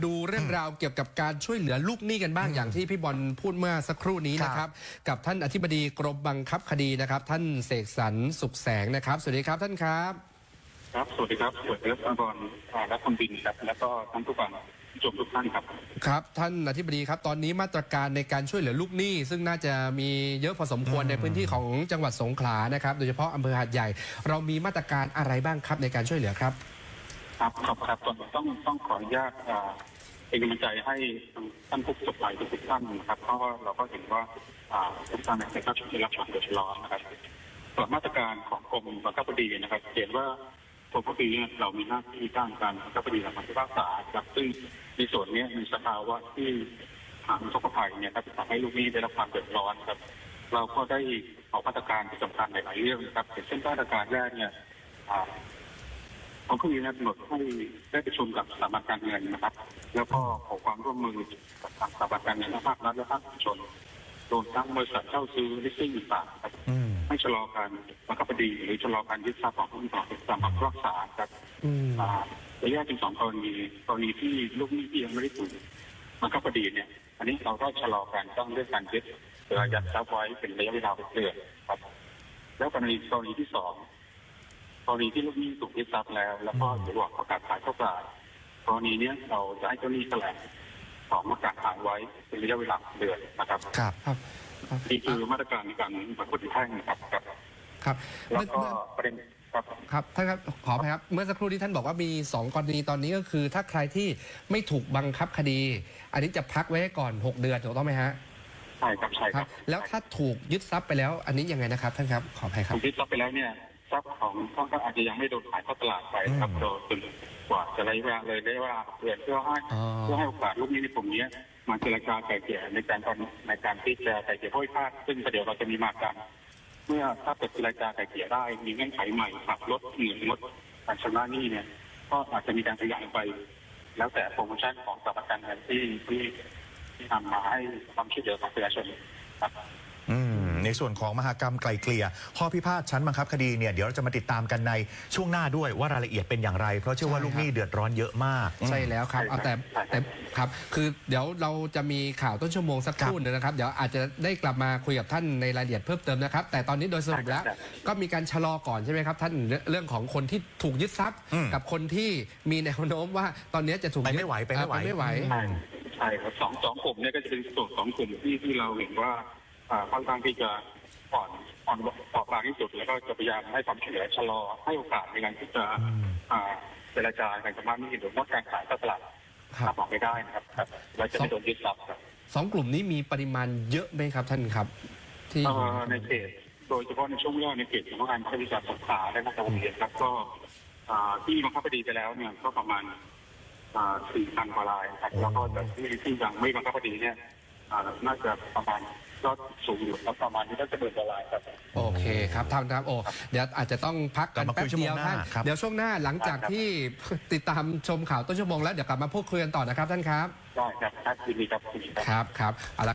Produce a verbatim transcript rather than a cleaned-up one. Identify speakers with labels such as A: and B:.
A: ดูเรื่องราวเกี่ยวกับการช่วยเหลือลูกหนี้กันบ้างอย่างที่พี่บอลพูดเมื่อสักครู่นี้นะครับกับท่านอธิบดีกรมบังคับคดีนะครับท่านเสกสรรสุขแสงนะครับสวัสดีครับท่านครับ
B: ครับสวัสดีครับสวัสดีครับอาบอลและคุณบินครับแล้วก็ท่านผู้ฟังผู้ชมทุกท่านครับ
A: ครับท่านอธิบดีครับตอนนี้มาตรการในการช่วยเหลือลูกหนี้ซึ่งน่าจะมีเยอะพอสมควรในพื้นที่ของจังหวัดสงขลานะครับโดยเฉพาะอำเภอหาดใหญ่เรามีมาตรการอะไรบ้างครับในการช่วยเหลือครับ
B: ครับครับครับต้องต้องขออนุญาตเป็นกำลังใจให้ท่านผู้ประสบภัยทุกท่านนะครับเพราะว่าเราก็เห็นว่าทุกท่านในการช่วยเหลือรับความเดือดร้อนนะครับส่วนมาตรการของกรมบังคับคดีนะครับเห็นว่ากรมบังคับคดีเรามีหน้าที่ตั้งการบังคับคดีและการพิพากษาครับซึ่งในส่วนนี้มีสภาวะที่ทางผู้ประสบภัยเนี่ยครับทำให้ลูกหนี้ได้รับความเดือดร้อนครับเราก็ได้ออกมาตรการที่สำคัญในหลายเรื่องนะครับเช่นมาตรการแรกเนี่ยผมก็มีกำหนดให้ได้ประชุมกับสถาบันการเงินนะครับแล้วก็ขอความร่วมมือกับทางสถาบันการเงินภาครัฐและภาคเอกชนรวมทั้งบริษัทเช่าซื้อลิสซิ่งต่างๆครับให้ชะลอการบังคับคดีหรือชะลอการยึดทรัพย์ของผู้ต่อตามคำรักษาครับระยะถึงสองกรณีกรณีที่ลูกหนี้ที่ยังไม่ได้ถูกบังคับคดีเนี่ยอันนี้เราก็ชะลอการต้องเรื่องการยึดหรืออายัดทรัพย์ไว้เป็นระยะเวลาเป็นเดือนครับแล้วกรณีกรณีที่สองกรณีที่ลูกหนี้ถูกยึดทรัพย์แล้วแล้วก็ระหว่างประกาศขายเข้ากลางกรณีนี้เราจะให้เจ้าหนี้แถลงของประกาศขายไว้เป็นระยะเวลาเดือนนะครับ
A: ครับครับ
B: นี่คือมาตรการในการบังคับคดีแพ่งนะครับ
A: ครับ
B: แล้วก็ประเด็นครับ
A: ครับท่านครับขออภัยครับเมื่อสักครู่ที่ท่านบอกว่ามีสองกรณีตอนนี้ก็คือถ้าใครที่ไม่ถูกบังคับคดีอันนี้จะพักไว้ก่อนหกเดือนถูกต้องไหมฮะ
B: ใช่ครับใช่ครับ
A: แล้วถ้าถูกยึดทรัพย์ไปแล้วอันนี้ยังไงนะครับท่านครับขออภัยครับ
B: ถูกยึดทรัพย์ไปแล้วเนี่ยทรัพย์ของท่านก็อาจจะยังไม่โดนขายเข้าตลาดไปครับโดยจนกว่าจะระยะเวลาเลยได้ว่าเพื่อเพื่อให้เพื่อให้โอกาสลูกหนี้ในกลุ่มนี้มาเจรจาไกล่เกลี่ยในการตอนในการที่จะไกล่เกลี่ยพ้อยพาดซึ่งเดี๋ยวเราจะมีมากันเมื่อถ้าเกิดเจรจาไกล่เกลี่ยได้มีเงื่อนไขใหม่ปรับลดเงินลดการชำระหนี้เนี่ยก็อาจจะมีการขยายไปแล้วแต่โปรโมชั่นของสถาบันการเงินที่ที่ที่ทำมาให้ความช่วยเหลือของประชาชนครับ
C: ในส่วนของมหกรรมไกลเกลี่ยข้อพิพาทชั้นบังคับคดีเนี่ยเดี๋ยวเราจะมาติดตามกันในช่วงหน้าด้วยว่ารายละเอียดเป็นอย่างไรเพราะเชื่อว่าลูกหนี้เดือดร้อนเยอะมาก
A: ใช่แล้วครับเอาแต่แต่ครับคือเดี๋ยวเราจะมีข่าวต้นชั่วโมงสักครู่นึงนะครับเดี๋ยวอาจจะได้กลับมาคุยกับท่านในรายละเอียดเพิ่มเติมนะครับแต่ตอนนี้โดยสรุปแล้วก็มีการชะลอก่อนใช่ไหมครับท่านเรื่องของคนที่ถูกยึดทรัพย์กับคนที่มีแนวโน้มว่าตอนนี้จะถูก
C: ไปไม่ไหวไปไม่ไหว
A: ไม่ไหว
B: ใช่ครับสองสองกลุ่มเนี่ยก็จะเป็นส่วนสองกลุ่มที่ที่เราเห็นว่าค่อนข้างที่จะอ่อนอ่อนต่อบางที่สุดแล้วก็จะพยายามให้ความช่วยเหลือชะลอให้โอกาสในการที่จะเจรจาการชำระหนี้หรือลดการขายตลาดถ้าบอกไม่ได้นะครับเราจะไม่โดนยึดทรัพย์ครับ
A: สองกลุ่มนี้มีปริมาณเยอะไหมครับท่านครับ
B: ที่ในเขตโดยเฉพาะในช่วงแรกในเขตของการใช้วิชาสงขลาและนครปฐมครับก็ที่บังคับคดีไปแล้วเนี่ยก็ประมาณสี่พันกว่ารายครับแล้วก็แต่ที่ที่ยังไม่บังคับคดีเนี่ยน่าจะประมาณก็สูงอยู่แล้วประมาณนี้ก็จะเบิดละลายครับ
A: โอเคครับท่านครับโอ้เดี๋ยวอาจจะต้องพักกันแป๊บเดียวท่านเดี๋ยวช่วงหน้าหลังจากที่ติดตามชมข่าวต้นชั่วโมงแล้วเดี๋ยวกลับมาพูดคุยกันต่อนะครับท่านครับ
B: ได้ครับครับยินดีครับ
A: ครับครับ